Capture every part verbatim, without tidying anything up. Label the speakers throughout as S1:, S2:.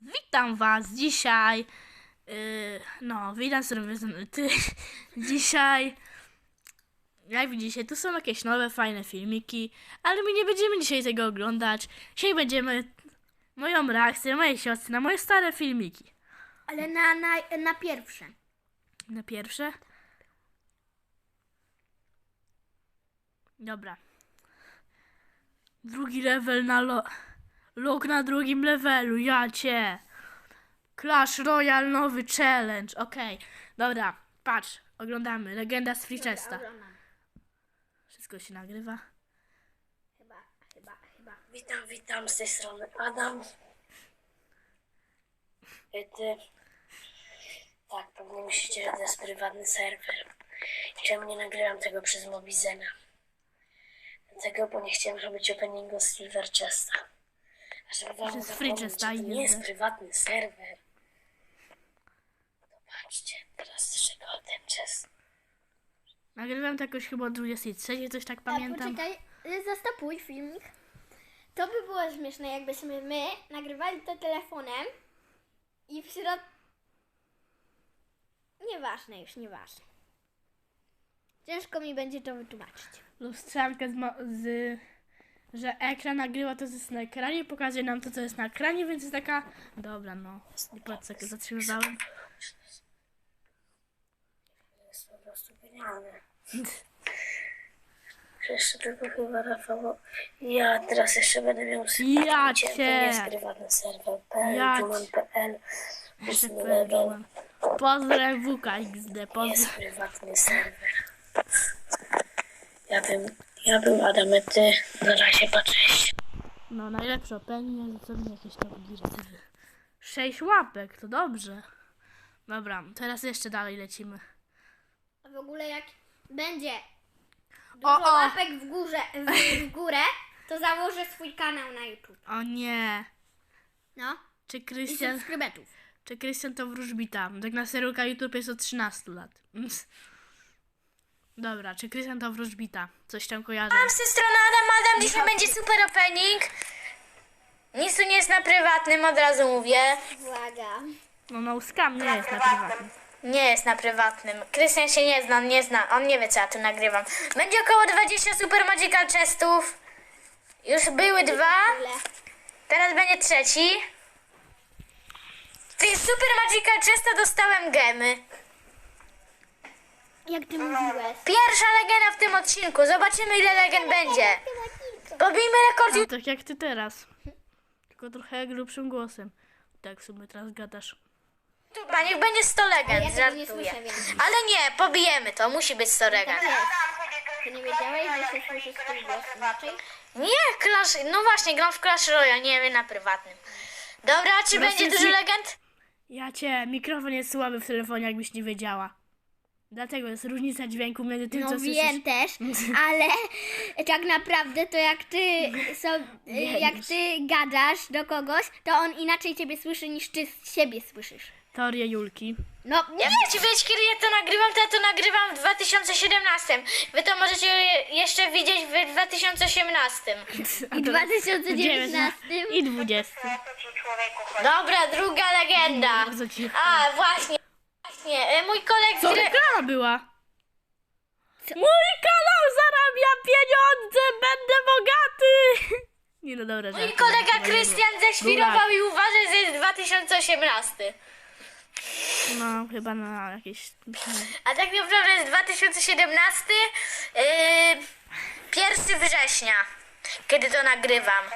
S1: Witam was dzisiaj. Yy, no, witam serdecznie. Ty, dzisiaj, jak widzicie, tu są jakieś nowe, fajne filmiki, ale my nie będziemy dzisiaj tego oglądać. Dzisiaj będziemy moją reakcję, mojej siostry na moje stare filmiki.
S2: Ale na, na, na pierwsze.
S1: Na pierwsze? Dobra. Drugi level na lo... Log na drugim levelu, ja cię. Clash Royale nowy challenge, okej. Okay. Dobra, patrz, oglądamy. Legenda z Freechesta. Wszystko się nagrywa.
S2: Chyba, chyba, chyba.
S3: Witam, witam, z tej strony Adam. I ty... Tak, pewnie myślicie, że to jest prywatny serwer. Czemu nie nagrywam tego przez Mobizena? Dlatego, bo nie chciałem robić openingu z Silver Chesta. A żeby wam
S1: Przez
S3: zapomnieć,
S1: Free
S3: że
S1: Chesta
S3: to
S1: i
S3: nie jest
S1: inne.
S3: prywatny serwer. To patrzcie, teraz czego ten czas.
S1: Nagrywam to jakoś chyba o dwudziestej trzeciej, coś tak
S2: A
S1: pamiętam.
S2: poczekaj, y, zastopuj filmik. To by było śmieszne, jakbyśmy my nagrywali to telefonem i w środku... Nieważne już, nieważne. Ciężko mi będzie to wytłumaczyć.
S1: Lustrzankę z, ma- z... że ekran nagrywa to, co jest na ekranie, pokazuje nam to, co jest na ekranie, więc jest taka... Dobra, no. Nie patrz, jak zatrzymywałem.
S3: To jest po prostu genialne. Jeszcze tylko chyba Rafał. Ja teraz jeszcze będę miał
S1: Ja
S3: To nie
S1: cię.
S3: jest prywatny serwer.
S1: Ja
S3: Juman kropka p l.
S1: Jeszcze
S3: ósmy
S1: powiedziałem.
S3: level.
S1: Pozdrawiam W K X D,
S3: Jest
S1: pozdrawiam.
S3: prywatny serwer. Ja bym, ja bym Adamety. Na razie patrzeć.
S1: No, najlepsze opening, co mi jakieś tam direktywy. Sześć łapek, to dobrze. Dobra, teraz jeszcze dalej lecimy.
S2: A w ogóle jak będzie
S1: O,
S2: dużo
S1: o!
S2: łapek w, górze, w, w górę, to założę swój kanał na YouTube.
S1: O nie.
S2: No.
S1: Czy
S2: I
S1: Krystian,
S2: subskrybentów.
S1: czy Krystian to wróżbita? Tak na serio YouTube jest od trzynastu lat. Dobra, czy Krystian to wróżbita? Coś tam kojarzę.
S4: Z tej strony Adam, Adam, dzisiaj będzie super opening. Nic tu nie jest na prywatnym, od razu mówię.
S2: Uwaga.
S1: No, no, skam nie jest na prywatnym.
S4: Nie jest na prywatnym. Krystian się nie zna, on nie zna, on nie wie, co ja tu nagrywam. Będzie około dwadzieścia Super Magical Chestów. Już były dwa,
S2: Ile?
S4: teraz będzie trzeci. Z tej Super Magical Chesta dostałem gemy.
S2: Jak ty mówiłeś?
S4: Pierwsza legenda w tym odcinku, zobaczymy ile legend będzie. Pobijmy rekord.
S1: No, tak jak ty teraz. Tylko trochę grubszym głosem. Tak w sumie teraz gadasz.
S4: YouTube'a, niech będzie sto legend,
S2: Ja tego nie
S4: żartuję.
S2: słyszę, więc...
S4: Ale nie, pobijemy to, musi być sto legend.
S2: Tak jest. Ty nie wiedziałeś, że się słyszy swój głos inaczej?
S4: Nie, Clash, no właśnie, gram w Clash Royale, nie wiem, na prywatnym. Dobra, czy
S1: Proszę
S4: będzie
S1: ci-
S4: dużo legend?
S1: Ja cię, mikrofon jest słaby w telefonie, jakbyś nie wiedziała. Dlatego jest różnica dźwięku między tym,
S2: No
S1: co
S2: wiem też, ale tak naprawdę to jak ty, so, jak ty gadasz do kogoś, to on inaczej ciebie słyszy niż ty siebie słyszysz.
S1: Teoria Julki.
S2: No,
S4: Nie chcecie wiedzieć, kiedy ja to nagrywam, to ja to nagrywam w dwa tysiące siedemnastym. Wy to możecie je- jeszcze widzieć w dwa tysiące osiemnastym.
S2: i w dwa tysiące dziewiętnastym.
S1: I dwudziestym.
S4: Dobra, druga legenda.
S1: Bardzo cicho.
S4: A, właśnie, właśnie, e, mój kolega...
S1: Co reklama była? Mój kanał zarabia pieniądze, będę bogaty! Nie no dobra,
S4: Mój
S1: żartuję,
S4: kolega
S1: chyba nie
S4: Krystian
S1: było.
S4: ześwirował i uważa, że jest dwa tysiące osiemnasty.
S1: No, chyba na jakieś...
S4: A tak naprawdę jest dwa tysiące siedemnasty, yy, pierwszego września, kiedy to nagrywam.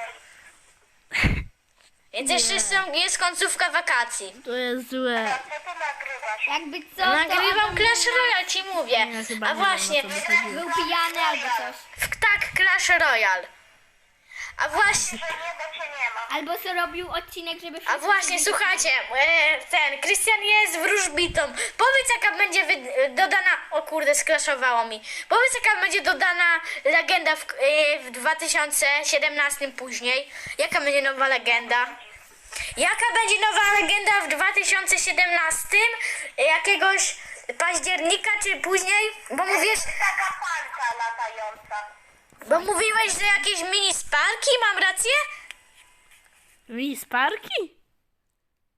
S4: Więc jeszcze są, jest końcówka wakacji.
S1: To jest złe.
S2: Jakby co,
S4: Nagrywam
S2: to on
S4: Clash Royale, ci mówię.
S1: Ja chyba
S4: A
S1: nie wiem,
S4: właśnie,
S1: o co mi chodziło.
S2: był pijany albo coś.
S4: w- tak, Clash Royale. A właśnie,
S2: Albo co robił odcinek, żeby...
S4: a
S2: wszyscy
S4: właśnie,
S2: wiedzieli.
S4: słuchajcie, e, ten, Krystian jest wróżbitą. Powiedz, jaka będzie wy- dodana, o kurde, skraszowało mi. Powiedz, jaka będzie dodana legenda w, e, w dwa tysiące siedemnastym później. Jaka będzie nowa legenda? Jaka będzie nowa legenda w dwa tysiące siedemnastym? Jakiegoś października czy później? Bo mówisz,
S3: Taka palca latająca.
S4: bo mówiłeś, że jakieś mini sparki, mam rację?
S1: Mi sparki?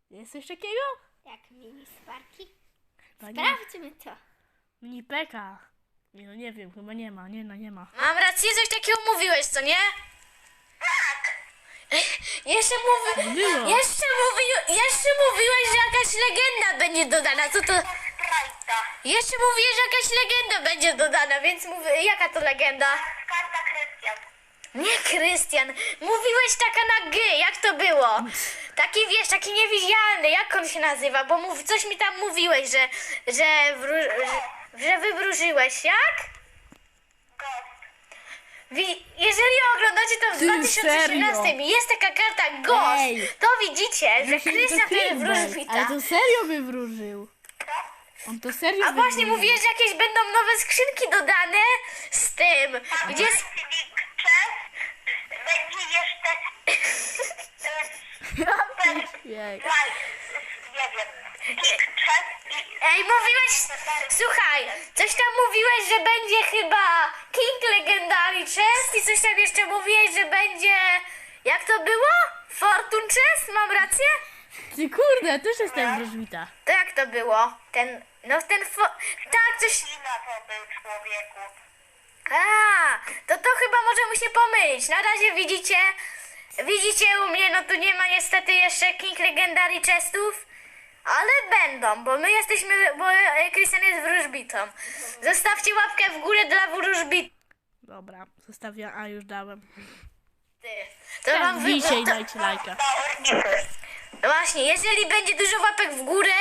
S1: Jest coś takiego?
S2: Jak mini sparki?
S1: Chyba nie.
S2: Sprawdźmy to.
S1: Mini Peka. Nie, no nie wiem, chyba nie ma, nie no nie ma.
S4: Mam rację, coś takiego mówiłeś, co nie? Tak. Jeszcze mówi...
S1: Było.
S4: Jeszcze, mówi... Jeszcze mówiłeś, że jakaś legenda będzie dodana. Co to... Jeszcze mówiłeś, że jakaś legenda będzie dodana, więc mówię, jaka to legenda?
S3: Karta Krystian.
S4: Nie Krystian, mówiłeś taka na G, jak to było? Taki wiesz, taki niewidzialny, jak on się nazywa? Bo mów, coś mi tam mówiłeś, że, że, wró- że, że wywróżyłeś, jak? Wi- jeżeli oglądacie to w
S1: Ty,
S4: dwa tysiące osiemnastym
S1: serio?
S4: jest taka karta Ghost,
S1: Ej.
S4: to widzicie, że
S1: Myślę, że
S4: Krystian
S1: to
S4: wtedy
S1: Filbert,
S4: wróżbita.
S1: ale to serio wywróżył. On to serio
S4: A właśnie
S1: wywróżył.
S4: mówiłeś, że jakieś będą nowe skrzynki dodane z tym, gdzie... s-
S3: Będzie jeszcze
S1: Jej.
S3: nie wiem, czas i
S4: Ej, mówiłeś, słuchaj, coś tam mówiłeś, że będzie chyba King Legendary Chest i coś tam jeszcze mówiłeś, że będzie, jak to było? Fortune Chest, mam rację?
S1: Ty kurde, też jestem wróżbita.
S4: To jak to było? Ten, no ten fo... tak, coś...
S3: na to był człowieku.
S4: A, to to chyba możemy się pomylić. Na razie widzicie, widzicie u mnie, no tu nie ma niestety jeszcze King Legendary Chestów, ale będą, bo my jesteśmy, bo e, Krystian jest wróżbitą. Zostawcie łapkę w górę dla wróżbity.
S1: Dobra, zostawiam, a już dałem.
S4: To wam wy...
S1: Wbijcie i
S4: to,
S1: dajcie lajka.
S4: no właśnie, jeżeli będzie dużo łapek w górę,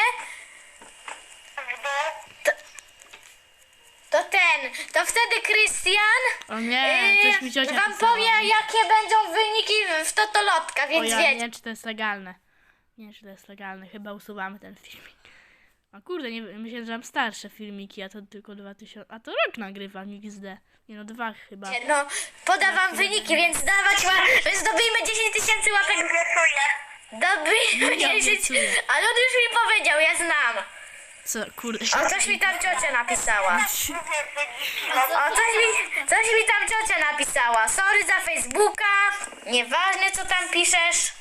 S4: to, to ten, to wtedy Krystian
S1: O nie, coś mi
S4: Yy,
S1: ciocia
S4: wam
S1: pisała.
S4: powie, jakie będą wyniki w Totolotka,
S1: O
S4: więc
S1: ja nie
S4: wiecie.
S1: wiem, czy to jest legalne. Nie wiem, czy to jest legalne. Chyba usuwamy ten filmik. A kurde, nie, myślę, że mam starsze filmiki, a to tylko dwa tysiące... A to rok nagrywam X D. Nie no, dwa chyba.
S4: No, podam wam wyniki, więc dawać łap... Zdobijmy dziesięć tysięcy łapek. Dobijmy
S1: Ja
S4: dziesięć,
S1: obiecuję.
S4: ale on już mi powiedział, ja znam.
S1: Co, kurde.
S4: O, coś mi tam ciocia napisała. O, coś mi, coś mi tam ciocia napisała. Sorry za Facebooka. Nieważne, co tam piszesz.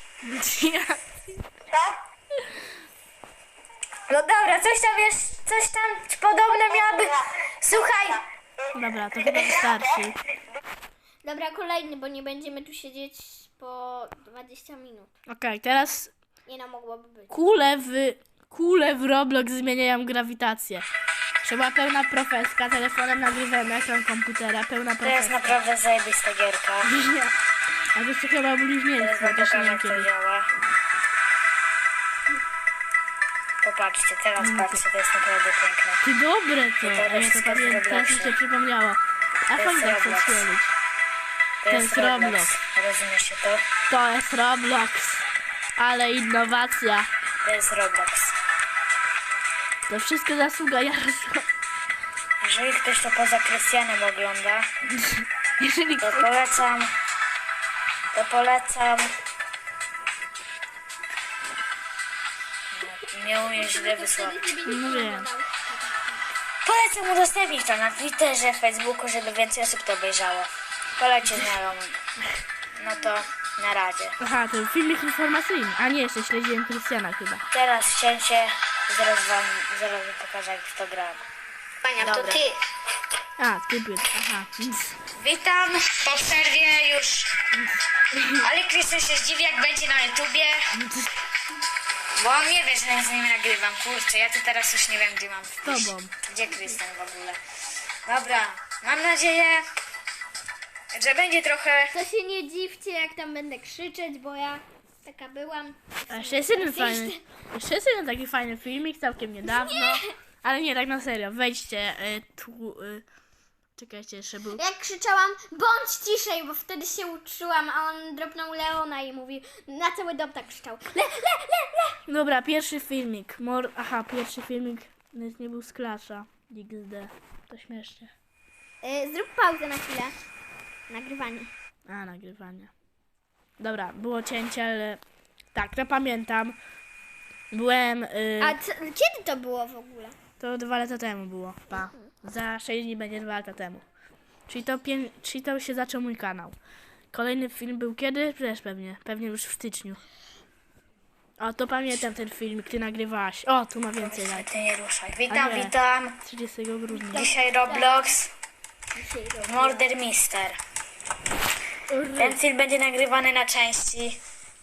S4: No dobra, coś tam jest, coś tam podobne miałaby... Słuchaj,
S1: Dobra, to chyba wystarczy.
S2: Dobra, kolejny, bo nie będziemy tu siedzieć po dwadzieścia minut.
S1: Okej, teraz
S2: Nie no, mogłoby być.
S1: kule w... Kule w Roblox zmieniają grawitację. Trzeba pełna profeska, telefonem nagrywamy ekran komputera, pełna
S3: To jest
S1: profeska.
S3: naprawdę zajebista gierka.
S1: A to jeszcze chyba bluźnierstwo,
S3: Teraz
S1: też nie
S3: pokażę,
S1: wiem
S3: jak to
S1: kiedy.
S3: działa. Popatrzcie, teraz patrzcie, to jest naprawdę piękne.
S1: Ty dobre to,
S3: to
S1: a ja to
S3: wszystko
S1: pamiętam,
S3: z
S1: teraz mi się
S3: Robloxa.
S1: przypomniało. A
S3: To
S1: fajnie
S3: jest
S1: tak chcę
S3: Roblox.
S1: stwierdzić.
S3: To
S1: jest Roblox.
S3: Rozumiesz się to?
S1: To jest Roblox. Ale innowacja.
S3: To jest Roblox.
S1: To wszystko zasługa Jarosława.
S3: Jeżeli ktoś to poza Krystianem ogląda,
S1: Jeżeli
S3: to
S1: ktoś...
S3: polecam, to polecam. No, nie umiem źle wysławić.
S1: No wiem.
S3: Polecam udostępnić to na Twitterze, Facebooku, żeby więcej osób to obejrzało. Polecie znajomym. No to na razie.
S1: Aha, to filmik informacyjny. A nie, jeszcze śledziłem Krystiana chyba.
S3: Teraz cięcie, zaraz wam, zaraz wam pokażę jak w to gram.
S4: Pania, to
S3: Dobra.
S4: ty.
S1: A, ty byt, aha.
S4: Witam po przerwie już. Ale Krystian się zdziwi, jak będzie na YouTubie. Bo on nie wie, że ja z nim nagrywam. Kurczę, ja tu teraz już nie wiem, gdzie mam.
S1: Z tobą.
S4: Gdzie Krystian w ogóle? Dobra, mam nadzieję, że będzie trochę...
S2: To się nie dziwcie, jak tam będę krzyczeć, bo ja taka byłam.
S1: A jeszcze jest jeden fajny, jeszcze jest jeden taki fajny filmik, całkiem niedawno. Ale nie, tak na serio, wejdźcie y, tu... Y, czekajcie, jeszcze był...
S2: Jak krzyczałam, bądź ciszej, bo wtedy się uczyłam, a on dropnął Leona i mówi, na cały dom tak krzyczał. Le, le, le, le.
S1: Dobra, pierwszy filmik. Mor... Aha, pierwszy filmik nawet nie był z Clasha. X D. To śmiesznie.
S2: Y, zrób pauzę na chwilę. Nagrywanie.
S1: A, nagrywanie. Dobra, było cięcie, ale... Tak, to pamiętam. Byłem... Y...
S2: A co, kiedy to było w ogóle?
S1: To dwa lata temu było. Pa. Za sześć dni będzie dwa lata temu. Czyli to, pię... Czyli to się zaczął mój kanał. Kolejny film był kiedy? Też pewnie. Pewnie już w styczniu. O, to pamiętam ten filmik, ty nagrywałaś. O, tu ma więcej lat.
S4: Ty nie ruszaj. Witam,
S1: A nie.
S4: witam.
S1: trzydziestego grudnia.
S4: Dzisiaj Roblox,
S2: Dzisiaj robię.
S4: Murder Mister. Ten film będzie nagrywany na części.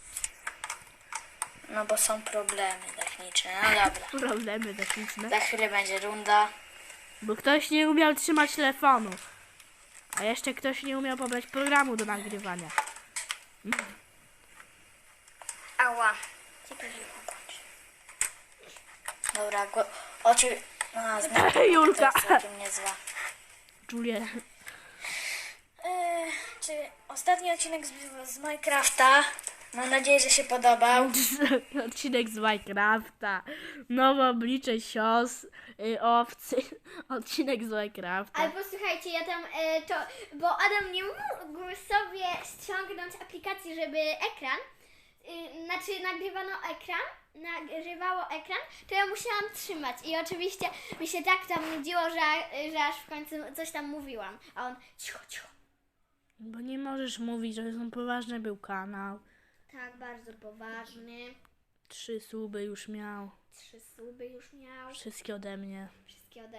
S4: No bo są problemy techniczne. No dobra.
S1: Problemy techniczne.
S4: Za chwilę będzie runda.
S1: Bo ktoś nie umiał trzymać telefonu. A jeszcze ktoś nie umiał pobrać programu do nagrywania.
S4: Ała. Dobra, go, oczy... A, zmiana
S1: Julka.
S4: to jest całkiem niezła.
S1: Julia.
S4: Eee, czy ostatni odcinek z, z Minecrafta, mam nadzieję, że się podobał.
S1: Odcinek z Minecrafta. Nowe oblicze sios, y, owcy. Odcinek z Minecrafta.
S2: Albo słuchajcie, ja tam e, to, bo Adam nie mógł sobie ściągnąć aplikacji, żeby ekran, y, znaczy nagrywano ekran, nagrywało ekran, to ja musiałam trzymać i oczywiście mi się tak tam nudziło, że, że aż w końcu coś tam mówiłam, a on cicho, cicho.
S1: Bo nie możesz mówić, że są poważny był kanał.
S2: Tak, bardzo poważny,
S1: Trzy suby już miał.
S2: trzy suby już miał,
S1: Wszystkie ode mnie.
S2: wszystkie ode...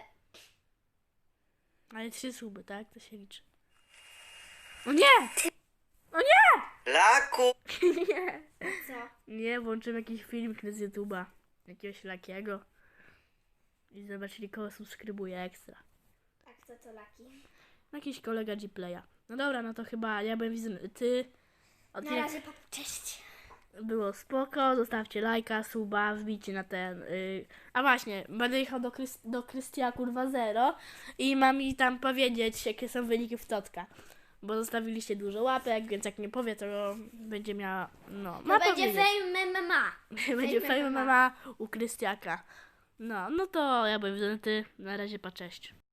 S1: Ale trzy suby, tak? To się liczy. O nie! O nie!
S5: Laku!
S1: Nie!
S2: Co?
S1: Nie, włączyłem jakiś filmik z YouTube'a. Jakiegoś Lakiego. I zobaczyli, kogo subskrybuje ekstra.
S2: A kto to Laki?
S1: Jakiś kolega G-Playa. No dobra, no to chyba ja bym widzę ty.
S2: Na
S1: Odcinek
S2: razie, pa- cześć.
S1: było spoko, zostawcie lajka, suba, wbijcie na ten. Yy. A właśnie, będę jechał do, Krys- do Krystia kurwa zero i mam mi tam powiedzieć, jakie są wyniki w Totka. Bo zostawiliście dużo łapek, więc jak nie powie, to będzie miała. No, ma
S2: To będzie
S1: powiedzieć.
S2: fame M M A.
S1: Będzie
S2: Fame
S1: fame mama u Krystiaka. No, no to ja bym ty. Na razie, pa, cześć.